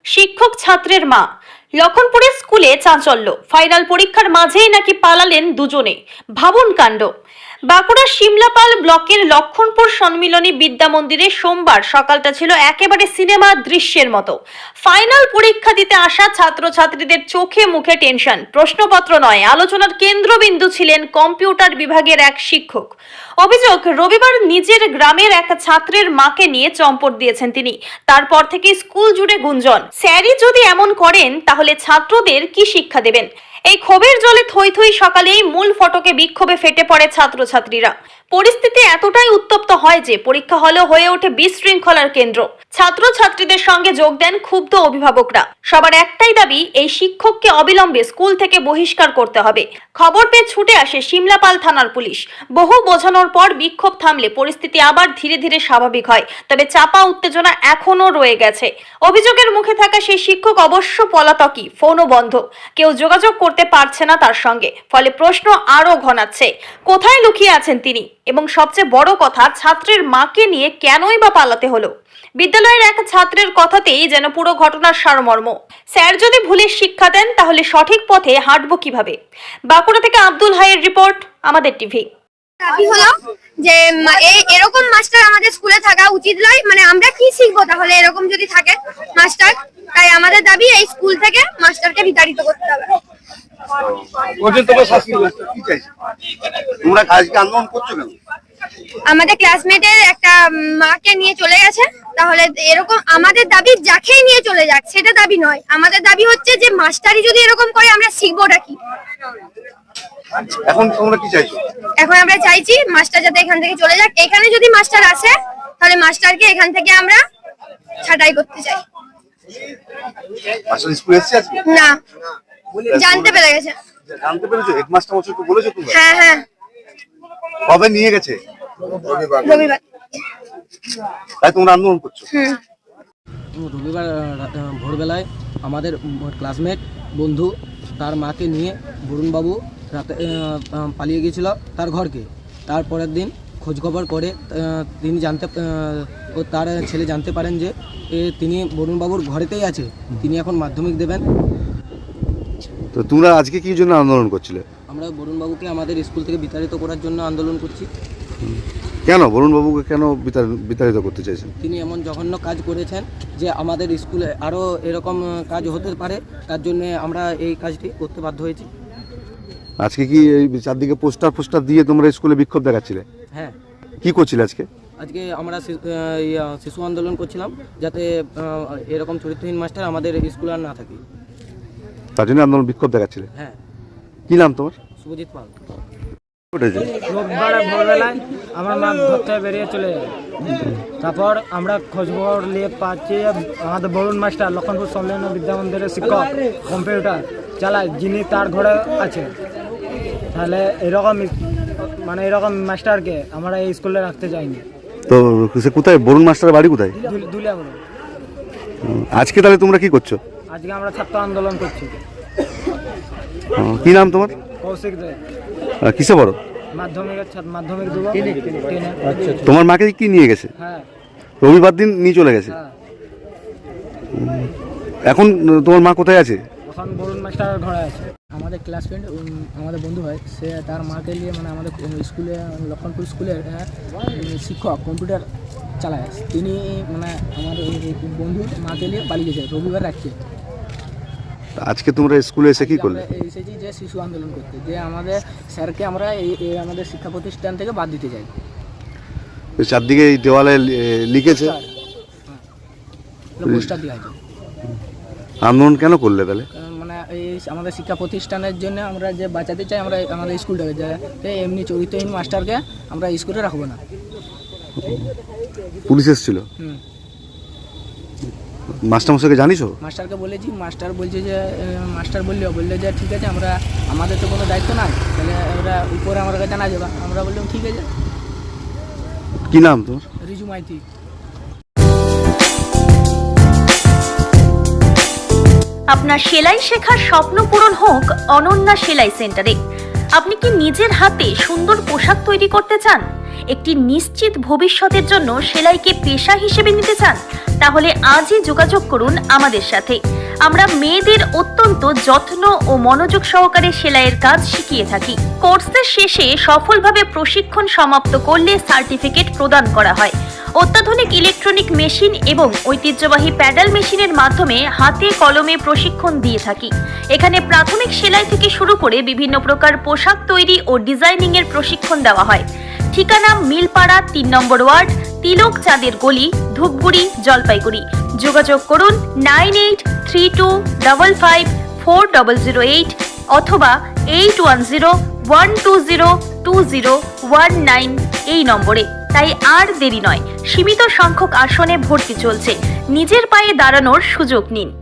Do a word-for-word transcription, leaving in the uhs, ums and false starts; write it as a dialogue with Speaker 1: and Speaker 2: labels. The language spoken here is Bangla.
Speaker 1: শিক্ষক ছাত্রের মা। লক্ষণপুরের স্কুলে চাঞ্চল্য, ফাইনাল পরীক্ষার মাঝেই নাকি পালালেন দুজনে। ভাবুন কাণ্ড। বাঁকুড়ার শিমলাপাল ব্লকের লক্ষণপুর সম্মিলনী বিদ্যা মন্দিরে সোমবার সকালটা ছিল একেবারে সিনেমা দৃশ্যের মতো। ফাইনাল পরীক্ষা দিতে আসা ছাত্রছাত্রীদের চোখে মুখে টেনশন। প্রশ্নপত্র নয়, আলোচনার কেন্দ্রবিন্দু ছিলেন কম্পিউটার বিভাগের এক শিক্ষক। অভিযোগ, রবিবার নিজের গ্রামের এক ছাত্রের মাকে নিয়ে চম্পট দিয়েছেন তিনি। তারপর থেকে স্কুল জুড়ে গুঞ্জন, স্যারই যদি এমন করেন তাহলে ছাত্রদের কি শিক্ষা দেবেন। এই ক্ষোভের জলে থই থই সকালেই মূল ফটকে বিক্ষোভে ফেটে পড়ে ছাত্রছাত্রীরা। পরিস্থিতি এতটাই উত্তপ্ত হয় যে পরীক্ষা হলে হয়ে ওঠে বিশৃঙ্খলার কেন্দ্র। ছাত্রছাত্রীদের সঙ্গে যোগ দেন ক্ষুব্ধ অভিভাবকরা। সবার একটাই দাবি, এই শিক্ষককে অবিলম্বে স্কুল থেকে বহিষ্কার করতে হবে। খবর পেয়ে ছুটে আসে শিমলাপাল থানার পুলিশ। বহু বোঝানোর পর বিক্ষোভ থামলে পরিস্থিতি আবার ধীরে ধীরে স্বাভাবিক হয়। তবে চাপা উত্তেজনা এখনো রয়ে গেছে। অভিযোগের মুখে থাকা সেই শিক্ষক অবশ্য পলাতকই, ফোনও বন্ধ, কেউ যোগাযোগ করতে পারছে না তার সঙ্গে। ফলে প্রশ্ন আরো ঘনাচ্ছে, কোথায় লুকিয়ে আছেন তিনি, এবং সবচেয়ে বড় কথা, ছাত্রের মাকে নিয়ে কেনই বা পালাতে হলো। বিদ্যালয়ের এক ছাত্রের কথাতেই যেন পুরো ঘটনার সারমর্ম। স্যার যদি ভুলের শিক্ষা দেন তাহলে সঠিক পথে হাঁটবো কিভাবে। বাঁকুড়া থেকে আব্দুল হাইয়ের রিপোর্ট, আমাদের টিভি।
Speaker 2: দাবি হলো যে এরকম মাস্টার আমাদের স্কুলে থাকা উচিত নয়। মানে আমরা কি শিখবো তাহলে এরকম যদি থাকে মাস্টার? তাই আমাদের দাবি এই স্কুল থেকে মাস্টারকে বিতাড়িত করতে হবে। আমাদের ক্লাসমেটের একটা মাকে নিয়ে চলে গেছে, তাহলে এরকম আমাদের দাবি যাকেই নিয়ে চলে যাক সেটা দাবি নয়। আমাদের দাবি হচ্ছে যে মাস্টারই যদি এরকম করে আমরা শিখবোটা কি।
Speaker 3: এখন তোমরা কি চাইছো?
Speaker 2: এখন আমরা চাইছি মাস্টার যাতে এখান থেকে চলে যাক। এখানে যদি মাস্টার আসে তাহলে মাস্টারকে এখান থেকে আমরা ছাঁটাই করতে চাই।
Speaker 3: মাস্টার স্কুলে এসেছে আজকে?
Speaker 2: না, জানতে পেরে গেছে।
Speaker 3: জানতে পেরেছো? হেডমাস্টার মশাই তো বলেছো তোমরা?
Speaker 2: হ্যাঁ হ্যাঁ।
Speaker 3: কবে নিয়ে গেছে?
Speaker 2: রবিবার। রবিবার।
Speaker 3: তাই তোমরা আন্দোলন করছো?
Speaker 2: হুম।
Speaker 4: রবিবার ভোরবেলায় আমাদের ক্লাসমেট বন্ধু তার মাকে নিয়ে বরুণবাবু রাতে পালিয়ে গিয়েছিল তার ঘরকে। তারপরের দিন খোঁজখবর করে তিনি জানতে ও তার ছেলে জানতে পারেন যে তিনি বরুণবাবুর ঘরেতেই আছে, তিনি এখন মাধ্যমিক দেবেন।
Speaker 3: তো তোমরা আজকে কি জন্য আন্দোলন করছিলে?
Speaker 4: আমরা বরুণবাবুকে আমাদের স্কুল থেকে বিতাড়িত করার জন্য আন্দোলন করছি।
Speaker 3: কেন বরুণবাবুকে কেন বিতাড়িত করতে চাইছেন?
Speaker 4: তিনি এমন জঘন্য কাজ করেছেন যে আমাদের স্কুলে আরও এরকম কাজ হতে পারে, তার জন্য আমরা এই কাজটি করতে বাধ্য হয়েছি।
Speaker 3: আজকে কি এই চারদিকে পোস্টার পোস্টার দিয়ে তোমরা স্কুলে বিক্ষোভ দেখাচ্ছিলে?
Speaker 4: হ্যাঁ।
Speaker 3: কি করছিলে আজকে?
Speaker 4: আজকে আমরা শিশু আন্দোলন করছিলাম যাতে এরকম চরিত্রহীন মাস্টার আমাদের স্কুলে আর না থাকে,
Speaker 3: তার জন্য আন্দোলন বিক্ষোভ দেখাচ্ছিলে?
Speaker 4: হ্যাঁ।
Speaker 3: কি নাম তোমার?
Speaker 4: শুভজিৎ পাল।
Speaker 5: রোববার ভোরবেলায় আমার মা ঘর থেকে বেরিয়ে চলে যায়। তারপর আমরা খোঁজখবর নিয়ে পাচ্ছি আমাদের বরুণ মাস্টার লক্ষণপুর সম্মিলনী বিদ্যা মন্দিরের শিক্ষক কম্পিউটার চালায়, যিনি তার ঘরে আছে। তাহলে এরকম মানে এরকম মাস্টারকে আমরা এই স্কুলে রাখতে চাইনি।
Speaker 3: তো সে কোথায়? বরুণ মাস্টারের বাড়ি কোথায়?
Speaker 5: দুলিয়া বরুণ।
Speaker 3: আজকে তাহলে তোমরা কি করছো?
Speaker 5: আজকে আমরা ছাত্র আন্দোলন করছি।
Speaker 3: কি নাম তোমার?
Speaker 5: কৌশিক দে।
Speaker 3: কিসে বড়?
Speaker 5: মাধ্যমিকের ছাত্র, মাধ্যমিক দেবো।
Speaker 3: তোমার মাকে কি নিয়ে গেছে?
Speaker 5: হ্যাঁ।
Speaker 3: রবিবার দিন নিয়ে চলে গেছে।
Speaker 5: হ্যাঁ।
Speaker 3: এখন তোমার মা কোথায় আছে?
Speaker 5: এখন বরুণ মাস্টারের ঘরে আছে। আমাদের ক্লাস ফ্রেন্ড, আমাদের বন্ধু হয়, সে তার মাকে নিয়ে মানে আমাদের স্কুলে লক্ষণপুর স্কুলের শিক্ষক কম্পিউটার চালায়, তিনি মানে আমাদের বন্ধু মাকে নিয়ে পালিয়ে গেছে রবিবার রাখছে।
Speaker 3: আজকে তোমরা স্কুলে এসে কি করলে?
Speaker 5: এসেছি যে শিশু আন্দোলন করতে, যে আমাদের স্যারকে আমরা এই আমাদের শিক্ষা প্রতিষ্ঠান থেকে বাদ দিতে চাই।
Speaker 3: চারদিকে এই দেওয়ালে লিখেছে,
Speaker 5: পোস্টার দেওয়া আছে।
Speaker 3: আন্দোলন কেন করলে তাহলে?
Speaker 5: মানে এই আমাদের শিক্ষা প্রতিষ্ঠানের জন্য আমরা যে বাঁচাতে চাই আমরা আমাদের স্কুলটাকে, যে এমনি চরিত্রহীন মাস্টারকে আমরা স্কুলে রাখবো না।
Speaker 3: পুলিশ এসেছিল?
Speaker 5: হুম।
Speaker 3: মাস্টারমশাইকে জানিস?
Speaker 5: মাস্টারকে বলেছি, মাস্টার বলছে যে মাস্টার বললে বললে যে ঠিক আছে, আমরা আমাদের তো কোনো দায়িত্ব নাই, তাহলে ওরা উপরে আমার কাছে জানা যাবে। আমরা বললাম ঠিক আছে।
Speaker 3: কি নাম তোর?
Speaker 5: রিজু মাইতি।
Speaker 1: আপনার সেলাই শেখার স্বপ্ন পূরণ হোক অনন্যা সেলাই সেন্টারে। আপনি কি নিজের হাতে সুন্দর পোশাক তৈরি করতে চান? একটি নিশ্চিত ভবিষ্যতের জন্য সেলাইকে পেশা হিসেবে নিতে চান, তাহলে আজই যোগাযোগ করুন আমাদের সাথে। আমরা মেয়েদের অত্যন্ত যত্ন ও মনোযোগ সহকারে সেলাইয়ের কাজ শিখিয়ে থাকি। কোর্সের শেষে সফলভাবে প্রশিক্ষণ সমাপ্ত করলে সার্টিফিকেট প্রদান করা হয়। অত্যাধুনিক ইলেকট্রনিক মেশিন এবং ঐতিহ্যবাহী প্যাডাল মেশিনের মাধ্যমে হাতে কলমে প্রশিক্ষণ দিয়ে থাকি। এখানে প্রাথমিক সেলাই থেকে শুরু করে বিভিন্ন প্রকার পোশাক তৈরি ও ডিজাইনিং এর প্রশিক্ষণ দেওয়া হয়। ঠিকানা মিলপাড়া তিন নম্বর ওয়ার্ড, তিলক চাঁদের গলি, ধূপগুড়ি, জলপাইগুড়ি। যোগাযোগ করুন nine eight three two double five four double zero eight অথবা eight one zero one two zero two zero one nine এই নম্বরে। তাই আর দেরি নয়, সীমিত সংখ্যক আসনে ভর্তি চলছে। নিজের পায়ে দাঁড়ানোর সুযোগ নিন।